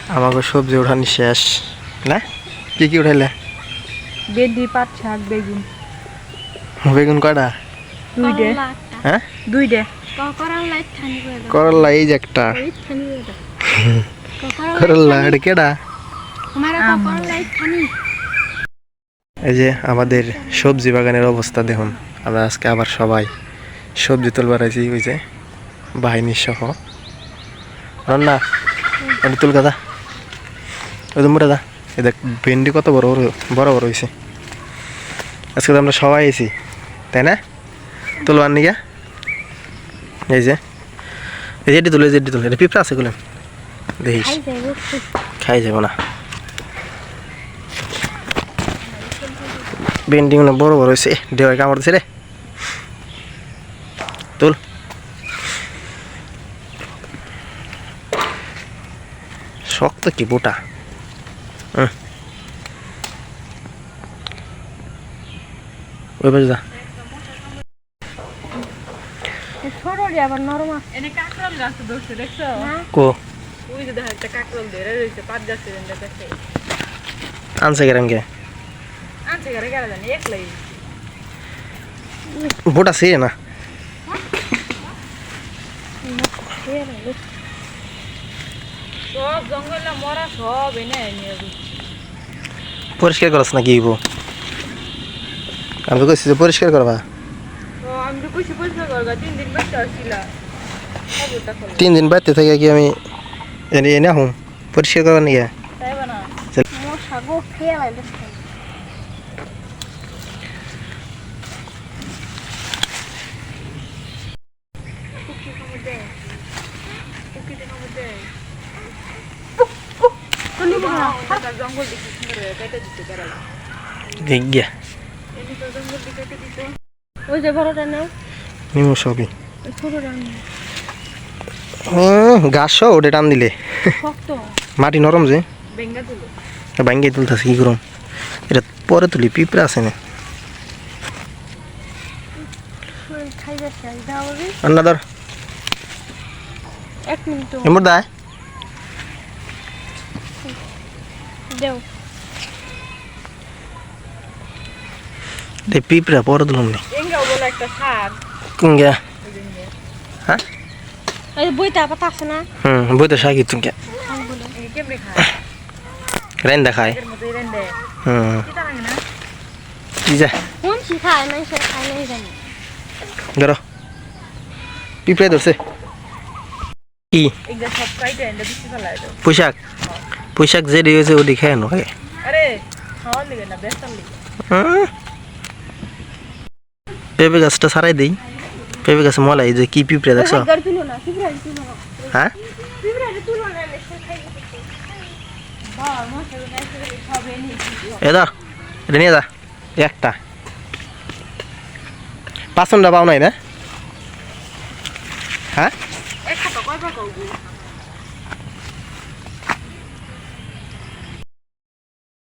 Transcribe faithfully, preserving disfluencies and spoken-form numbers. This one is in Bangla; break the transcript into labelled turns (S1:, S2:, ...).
S1: আমাকে সবজি উঠানি শেষ না? কি কি উঠাইলে?
S2: ভেন্ডি, পাট শাক, বেগুন।
S1: বেগুন কয়টা?
S2: দুইটা।
S1: হ্যাঁ
S2: দুইটা।
S1: করলা এই যে একটা করলা এটা কেডা? এই যে আমাদের সবজি বাগানের অবস্থা দেখুন। আমরা আজকে আবার সবাই সবজি তুলবার আছি, ওই যে বাহিনী সহ। রান্না এটা তুল গাদা, ওই মুড়ে দা। এই দেখ ভেন্ডি কত বড় বড় বড় বড় হয়েছে। আজকে তো আমরা সবাই আছি, তাই না? তুলবার নিয়ে এই যে এই যে এটি তুলে যেটি তুলে এটা পিঁপড়া আছে গুলেন দেখিস, খাই যাব না। ভেন্ডি গুলো বড় বড় হয়েছে, দেওয়ায় কামড় দিছে রে। তুল শক্ত কি বোটা। ওই বাজে যা।
S2: আবার নরম
S3: এনে কাকরল গাছ ধরছে দেখছো?
S1: কো
S3: ওই যে দেখা একটা কাকরল ধরে রয়েছে পাঁচ গাছে এনে দেখে।
S1: আনছে গেরাম কে
S3: আনছে গেরে গেরা জানি একলাই।
S1: বোটা সে না
S3: সব জঙ্গলে মরা সব এনে নিয়ে
S1: পরিষ্কার করছ না কি হইব? আমি তো কইছি যে পরিষ্কার করবা।
S3: তো আমি তো কইছি পরিষ্কার করবা, তিন দিন বাইতে আসছিলা।
S1: তিন দিন বাইতে থেকে কি আমি এনে এনে হুম পরিষ্কার করবার নিয়ে
S3: তাই বানা
S2: মশা গো খেয়ে লাইলে।
S3: জঙ্গল দেখি সুন্দর কেটে দিতে পারে।
S1: দেখ গিয়া
S3: এমনি তো জঙ্গল দিকে কেটে দিতে।
S2: ওই যে বড়টা নাও,
S1: নিমু সবই
S2: ওই ছোটটা নাও।
S1: গাছ ওটা টান দিলে
S2: শক্ত
S1: মাটি নরম যে
S3: বেঙ্গা তুলো
S1: ভাঙ্গে তুলতেছে কি করুম। এটা পরে তুলি, পিঁপড়া আছে না।
S2: খাই যাচ্ছে দাও রে।
S1: রান্না ধর
S2: এক মিনিট
S1: এমর দায়
S2: দেও।
S1: রে পিঁপড়া পরে তুলুম নি
S3: বেঙ্গাও বলে একটা শাক।
S1: কুঙ্গা হ্যাঁ
S2: এই বইটা পাতা আছে না?
S1: হুম বইতে শাকি তুই কে
S3: এই কেমনে খায়?
S1: রাইন দেখায়।
S3: এর মধ্যে রেন্দে
S1: হুম
S3: কি তা লাগে না?
S1: কি যা
S2: কোন সি খায় না সে খায় নাই জানি।
S1: ধরো পিঁপড়ে ধরছে কি
S3: এইটা সব কাইটে এনে দিতে ফেলায় দাও।
S1: পোশাক পোশাক যে দিয়েছে ও দেখে আনো আগে।
S3: আরে খাওয়ার লিগে না বেস্তার লিগে।
S1: হুম পেঁপে গাছটা সারাই দেই। পেঁপে গাছে মলাই যে কি পিঁপড়ে দেখছো?
S2: গাড়ি তুলো না, পিঁপড়া তুলো না।
S1: হ্যাঁ
S2: পিঁপড়া তুলো না, সে খাই দিতে।
S3: বাবা মশা নাই সব এনে দিও।
S1: এ ধর এটা নিয়ে যা একটা পাঁচটা পাও নাই না? হ্যাঁ
S3: একটা তো কয় পাকা